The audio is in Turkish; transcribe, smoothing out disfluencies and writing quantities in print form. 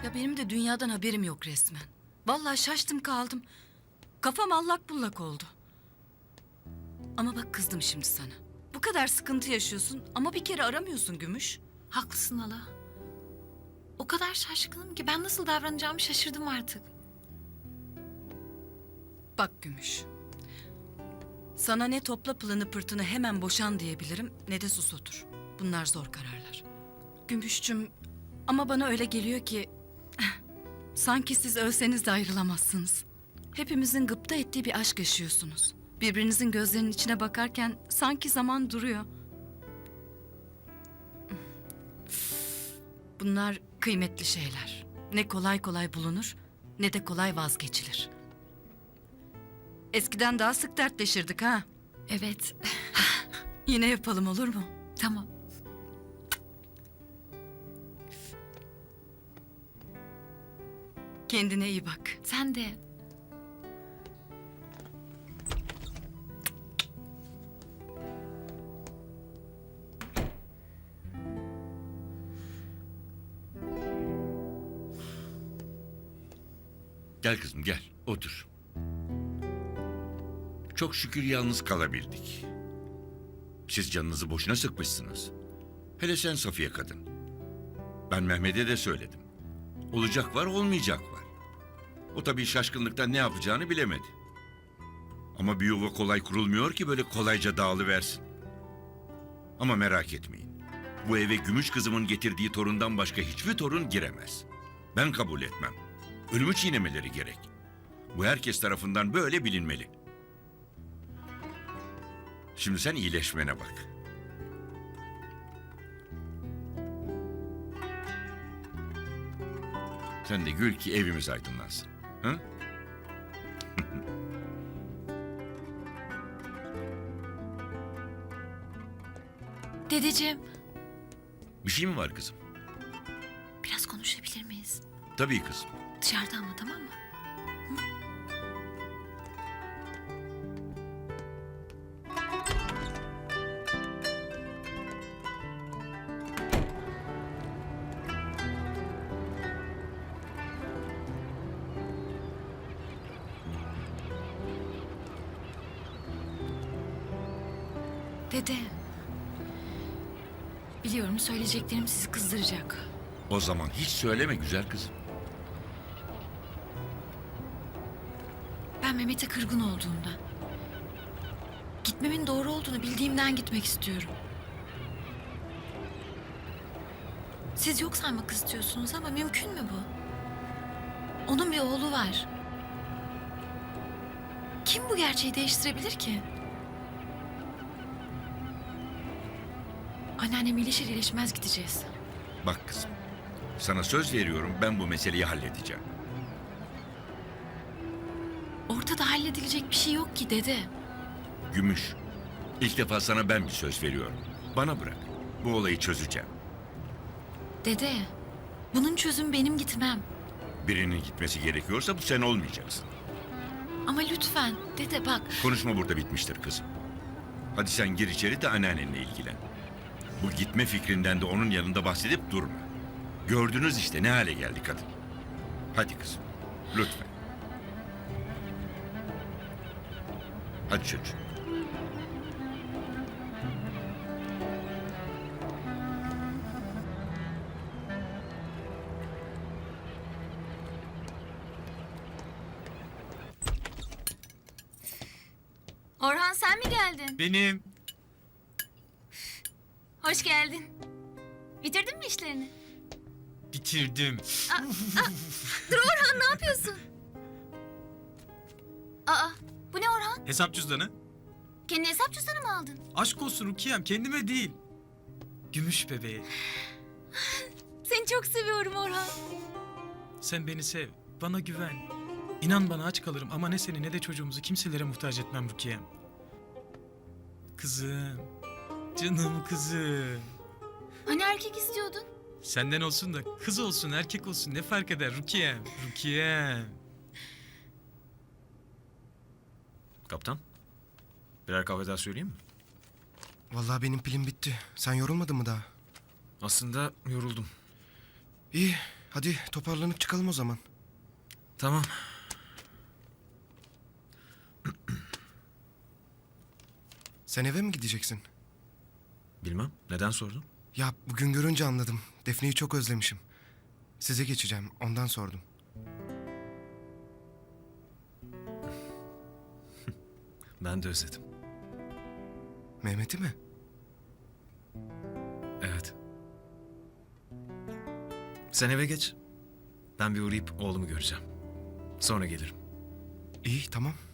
Ya benim de dünyadan haberim yok resmen. Vallahi şaştım kaldım. Kafam allak bullak oldu. Ama bak kızdım şimdi sana. Bu kadar sıkıntı yaşıyorsun ama bir kere aramıyorsun Gümüş. Haklısın hala. O kadar şaşkınım ki ben nasıl davranacağımı şaşırdım artık. Bak Gümüş. Sana ne topla pılını pırtını hemen boşan diyebilirim ne de sus otur. Bunlar zor kararlar. Gümüşçüm ama bana öyle geliyor ki sanki siz ölseniz de ayrılamazsınız. Hepimizin gıpta ettiği bir aşk yaşıyorsunuz. Birbirinizin gözlerinin içine bakarken sanki zaman duruyor. Bunlar kıymetli şeyler. Ne kolay kolay bulunur ne de kolay vazgeçilir. Eskiden daha sık dertleşirdik ha. Evet, Yine yapalım olur mu? tamam. Kendine iyi bak. Sen de. Gel kızım gel, otur. Çok şükür yalnız kalabildik. Siz canınızı boşuna sıkmışsınız. Hele sen Safiye kadın. Ben Mehmet'e de söyledim. Olacak var, olmayacak var. O tabii şaşkınlıktan ne yapacağını bilemedi. Ama bir yuva kolay kurulmuyor ki böyle kolayca dağılıversin. Ama merak etmeyin. Bu eve Gümüş kızımın getirdiği torundan başka hiçbir torun giremez. Ben kabul etmem. Ölümü çiğnemeleri gerek. Bu herkes tarafından böyle bilinmeli. Şimdi sen iyileşmene bak. Sen de gül ki evimiz aydınlansın. Hı? Dedeciğim, Bir şey mi var kızım? biraz konuşabilir miyiz? Tabii kızım. Dışarıda ama, tamam mı? Dede. Biliyorum söyleyeceklerim sizi kızdıracak. O zaman hiç söyleme güzel kızım. Ben Mehmet'e kırgın olduğumdan, gitmemin doğru olduğunu bildiğimden gitmek istiyorum. Siz yok saymak istiyorsunuz ama mümkün mü bu? Onun bir oğlu var. Kim bu gerçeği değiştirebilir ki? Anneannem iyileşir iyileşmez gideceğiz. Bak kızım. Sana söz veriyorum ben bu meseleyi halledeceğim. Ortada halledilecek bir şey yok ki dede. Gümüş. İlk defa sana ben bir söz veriyorum. Bana bırak. Bu olayı çözeceğim. Dede, bunun çözümü benim gitmem. Birinin gitmesi gerekiyorsa bu sen olmayacaksın. Ama lütfen dede bak. Konuşma burada bitmiştir kızım. Hadi sen gir içeri de anneannenle ilgilen. Bu gitme fikrinden de onun yanında bahsedip durma. Gördünüz işte ne hale geldi kadın. Hadi kızım. Lütfen. Hadi çocuğum. Orhan sen mi geldin? Benim. Hoş geldin. Bitirdin mi işlerini? Bitirdim. Dur Orhan ne yapıyorsun? Aa bu ne Orhan? Hesap cüzdanı. Kendi hesap cüzdanı mı aldın? Aşk olsun Rukiye'm, kendime değil. Gümüş bebeğe. Seni çok seviyorum Orhan. Sen beni sev, bana güven. İnan bana aç kalırım ama ne seni ne de çocuğumuzu kimselere muhtaç etmem Rukiye'm. Kızım, canım kızım. Hani erkek istiyordun? Senden olsun da kız olsun erkek olsun ne fark eder Rukiye'm, Rukiye'm. Kaptan, birer kahve daha söyleyeyim mi? Vallahi benim pilim bitti. Sen yorulmadın mı daha? Aslında yoruldum. İyi. Hadi toparlanıp çıkalım o zaman. Tamam. Sen eve mi gideceksin? Bilmem. Neden sordun? Ya bugün görünce anladım. Defne'yi çok özlemişim. Size geçeceğim. Ondan sordum. Ben de özledim. Mehmet'i mi? Evet. Sen eve geç. Ben bir uğrayıp oğlumu göreceğim. Sonra gelirim. İyi tamam.